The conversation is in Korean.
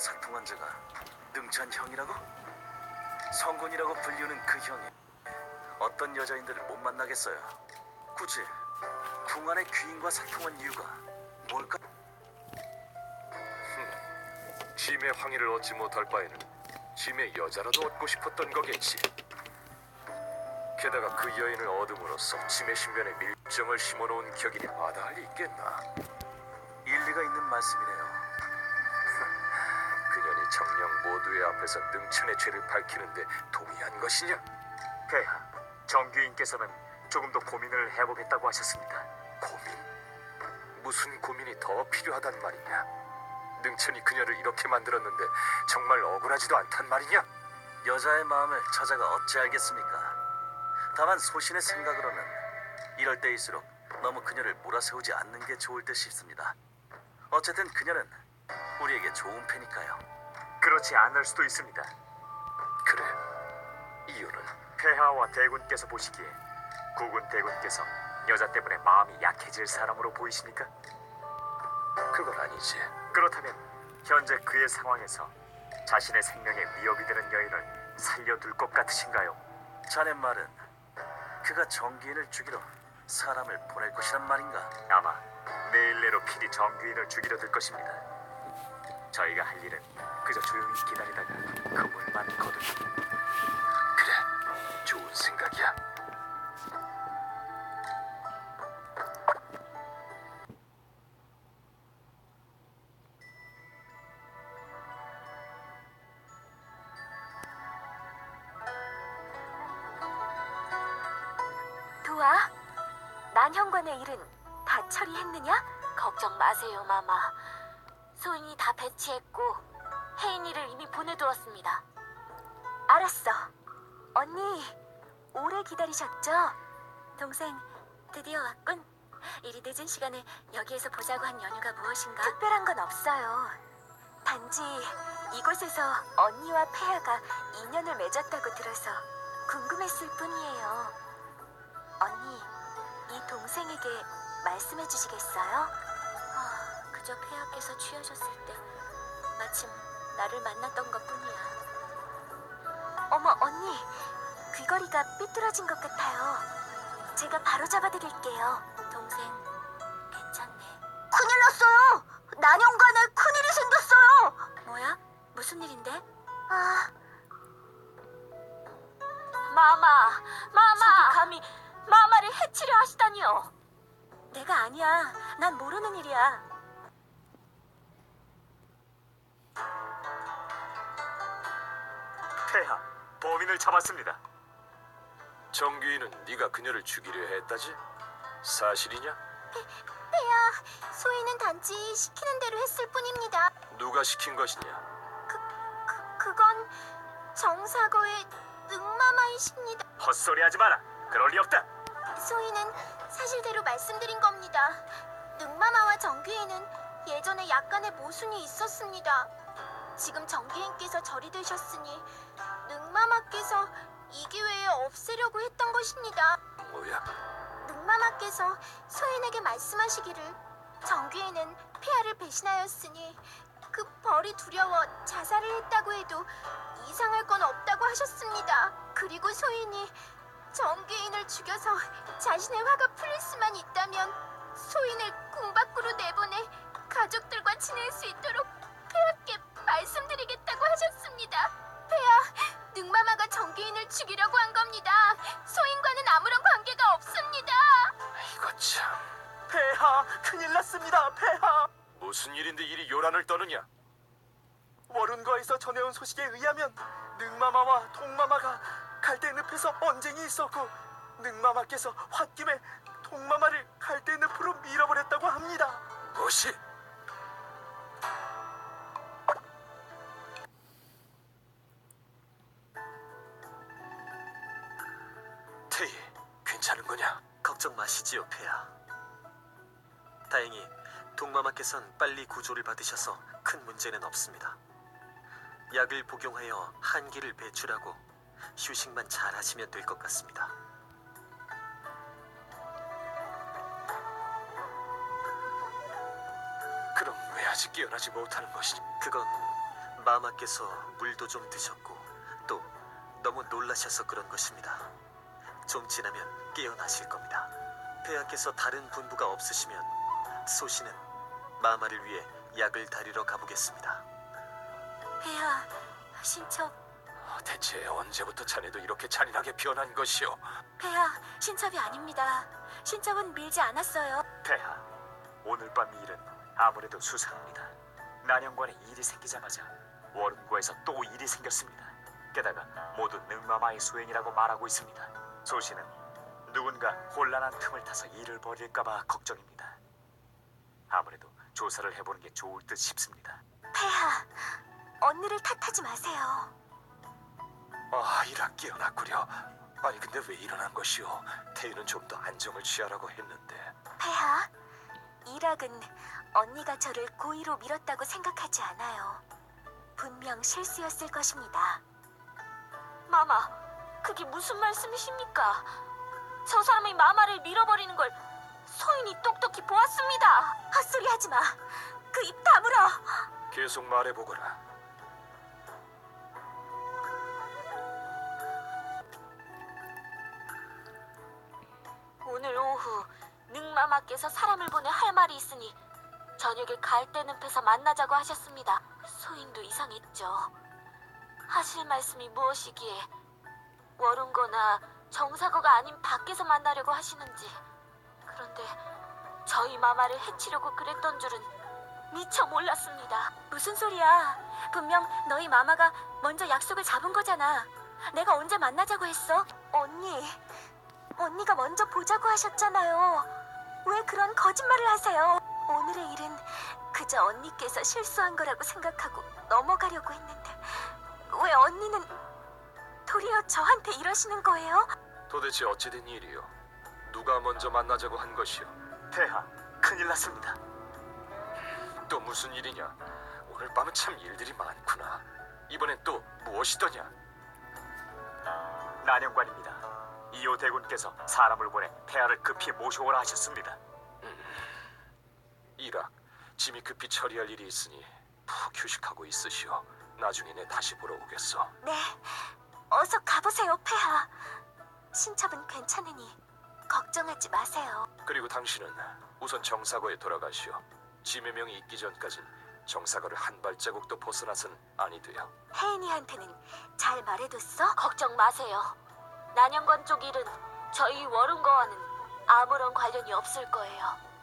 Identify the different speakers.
Speaker 1: 살통한 자가 능찬 형이라고? 성군이라고 불리우는 그 형이 어떤 여자인들을 못 만나겠어요? 굳이 궁 안의 귀인과 살통한 이유가 뭘까?
Speaker 2: 짐의 황의를 얻지 못할 바에는 짐의 여자라도 얻고 싶었던 거겠지. 게다가 그 여인을 얻음으로써 짐의 신변에 밀정을 심어놓은 격이니 마다할 리 있겠나.
Speaker 1: 일리가 있는 말씀이네요.
Speaker 2: 그년이 정령 모두의 앞에서 능천의 죄를 밝히는데 동의한 것이냐?
Speaker 3: 폐하, 정규인께서는 조금 더 고민을 해보겠다고 하셨습니다.
Speaker 2: 고민? 무슨 고민이 더 필요하단 말이냐? 능천이 그녀를 이렇게 만들었는데 정말 억울하지도 않단 말이냐?
Speaker 1: 여자의 마음을 저자가 어찌 알겠습니까? 다만 소신의 생각으로는 이럴 때일수록 너무 그녀를 몰아세우지 않는 게 좋을 듯 싶습니다. 어쨌든 그녀는 우리에게 좋은 패니까요.
Speaker 3: 그렇지 않을 수도 있습니다.
Speaker 2: 그래, 이유는?
Speaker 3: 폐하와 대군께서 보시기에 국군 대군께서 여자 때문에 마음이 약해질 사람으로 보이십니까?
Speaker 2: 그건 아니지.
Speaker 3: 그렇다면 현재 그의 상황에서 자신의 생명에 위협이 되는 여인을 살려둘 것 같으신가요?
Speaker 1: 자네 말은 그가 정기인을 죽이러 사람을 보낼 것이란 말인가?
Speaker 3: 아마 내일 내로 필히 정규인을 죽이려 들 것입니다. 저희가 할 일은 그저 조용히 기다리다가 그물만 거두는.
Speaker 2: 그래, 좋은 생각이야.
Speaker 4: 도아, 난현관의 일은 다 처리했느냐? 걱정 마세요, 마마. 소인이 다 배치했고 혜인이를 이미 보내두었습니다. 알았어. 언니, 오래 기다리셨죠? 동생, 드디어 왔군. 이리 늦은 시간에 여기에서 보자고 한 연유가 무엇인가? 특별한 건 없어요. 단지 이곳에서 언니와 폐하가 인연을 맺었다고 들어서 궁금했을 뿐이에요. 언니, 이 동생에게 말씀해 주시겠어요? 그저 폐하께서 취하셨을 때 마침 나를 만났던 것뿐이야. 어머, 언니, 귀걸이가 삐뚤어진 것 같아요. 제가 바로 잡아드릴게요. 동생, 괜찮네. 큰일 났어요! 난영관에 큰일이 생겼어요! 뭐야? 무슨 일인데? 마마! 저기 감히 마마를 해치려 하시다니요. 내가 아니야. 난 모르는 일이야.
Speaker 3: 폐하, 범인을 잡았습니다.
Speaker 2: 정규인은 네가 그녀를 죽이려 했다지? 사실이냐?
Speaker 4: 폐하, 소희는 단지 시키는 대로 했을 뿐입니다.
Speaker 2: 누가 시킨 것이냐?
Speaker 4: 그건 정사거의 능마마이십니다.
Speaker 3: 헛소리하지 마라. 그럴 리 없다.
Speaker 4: 소희는 사실대로 말씀드린 겁니다. 능마마와 정귀인은 예전에 약간의 모순이 있었습니다. 지금 정귀인께서 절이 되셨으니 능마마께서 이 기회에 없애려고 했던 것입니다.
Speaker 2: 뭐야?
Speaker 4: 능마마께서 소인에게 말씀하시기를 정귀인은 폐하를 배신하였으니 그 벌이 두려워 자살을 했다고 해도 이상할 건 없다고 하셨습니다. 그리고 소인이 정귀인을 죽여서 자신의 화가 풀릴 수만 있다면 소인을 궁 밖으로 내보내 가족들과 지낼 수 있도록 폐하께 말씀드리겠다고 하셨습니다. 폐하, 능마마가 정귀인을 죽이려고 한 겁니다. 소인과는 아무런 관계가 없습니다.
Speaker 2: 이거 참...
Speaker 3: 폐하, 큰일 났습니다. 폐하.
Speaker 2: 무슨 일인데 이리 요란을 떠느냐?
Speaker 3: 월운거에서 전해온 소식에 의하면 능마마와 동마마가 갈대늪에서 언쟁이 있었고 능마마께서 홧김에 동마마를 갈대늪으로 밀어버렸다고 합니다.
Speaker 2: 무엇이? 테이, 괜찮은 거냐?
Speaker 5: 걱정 마시지요, 폐하. 다행히 동마마께선 빨리 구조를 받으셔서 큰 문제는 없습니다. 약을 복용하여 한기를 배출하고 휴식만 잘 하시면 될 것 같습니다.
Speaker 2: 그럼 왜 아직 깨어나지 못하는 것이니?
Speaker 5: 그건 마마께서 물도 좀 드셨고 또 너무 놀라셔서 그런 것입니다. 좀 지나면 깨어나실 겁니다. 폐하께서 다른 분부가 없으시면 소신은 마마를 위해 약을 다리러 가보겠습니다.
Speaker 4: 폐하, 신첩.
Speaker 2: 대체 언제부터 자네도 이렇게 잔인하게 변한 것이오?
Speaker 4: 폐하, 신첩이 아닙니다. 신첩은 밀지 않았어요.
Speaker 3: 폐하, 오늘 밤 일은 아무래도 수상합니다. 난영관에 일이 생기자마자 워룬고에서 또 일이 생겼습니다. 게다가 모두 능마마의 소행이라고 말하고 있습니다. 소신은 누군가 혼란한 틈을 타서 일을 벌일까봐 걱정입니다. 아무래도 조사를 해보는 게 좋을 듯 싶습니다.
Speaker 4: 폐하, 언니를 탓하지 마세요.
Speaker 2: 이라 깨어났구려. 아니 근데 왜 일어난 것이오? 태희는 좀 더 안정을 취하라고 했는데.
Speaker 4: 폐하, 이락은 언니가 저를 고의로 밀었다고 생각하지 않아요. 분명 실수였을 것입니다. 마마, 그게 무슨 말씀이십니까? 저 사람이 마마를 밀어버리는 걸 소인이 똑똑히 보았습니다. 헛소리 하지 마. 그 입 다물어.
Speaker 2: 계속 말해보거라.
Speaker 4: 오늘 오후 능마마께서 사람을 보내 할 말이 있으니 저녁에 갈대늪에서 만나자고 하셨습니다. 소인도 이상했죠. 하실 말씀이 무엇이기에 워룬거나 정사거가 아닌 밖에서 만나려고 하시는지. 그런데 저희 마마를 해치려고 그랬던 줄은 미처 몰랐습니다. 무슨 소리야? 분명 너희 마마가 먼저 약속을 잡은 거잖아. 내가 언제 만나자고 했어? 언니가 먼저 보자고 하셨잖아요. 왜 그런 거짓말을 하세요? 오늘의 일은 그저 언니께서 실수한 거라고 생각하고 넘어가려고 했는데 왜 언니는 도리어 저한테 이러시는 거예요?
Speaker 2: 도대체 어찌된 일이오? 누가 먼저 만나자고 한 것이오?
Speaker 3: 폐하, 큰일 났습니다.
Speaker 2: 또 무슨 일이냐? 오늘 밤은 참 일들이 많구나. 이번엔 또 무엇이더냐?
Speaker 3: 난영관입니다. 이호 대군께서 사람을 보내 폐하를 급히 모셔오라 하셨습니다.
Speaker 2: 이락, 짐이 급히 처리할 일이 있으니 푹 휴식하고 있으시오. 나중에 내 다시 보러 오겠어.
Speaker 4: 네, 어서 가보세요, 폐하. 신첩은 괜찮으니 걱정하지 마세요.
Speaker 2: 그리고 당신은 우선 정사거에 돌아가시오. 짐의 명이 있기 전까진 정사거를 한 발자국도 벗어나선 아니 돼요.
Speaker 4: 혜인이한테는 잘 말해뒀어? 걱정 마세요. 난영관 쪽 일은 저희 워룬거와는 아무런 관련이 없을 거예요.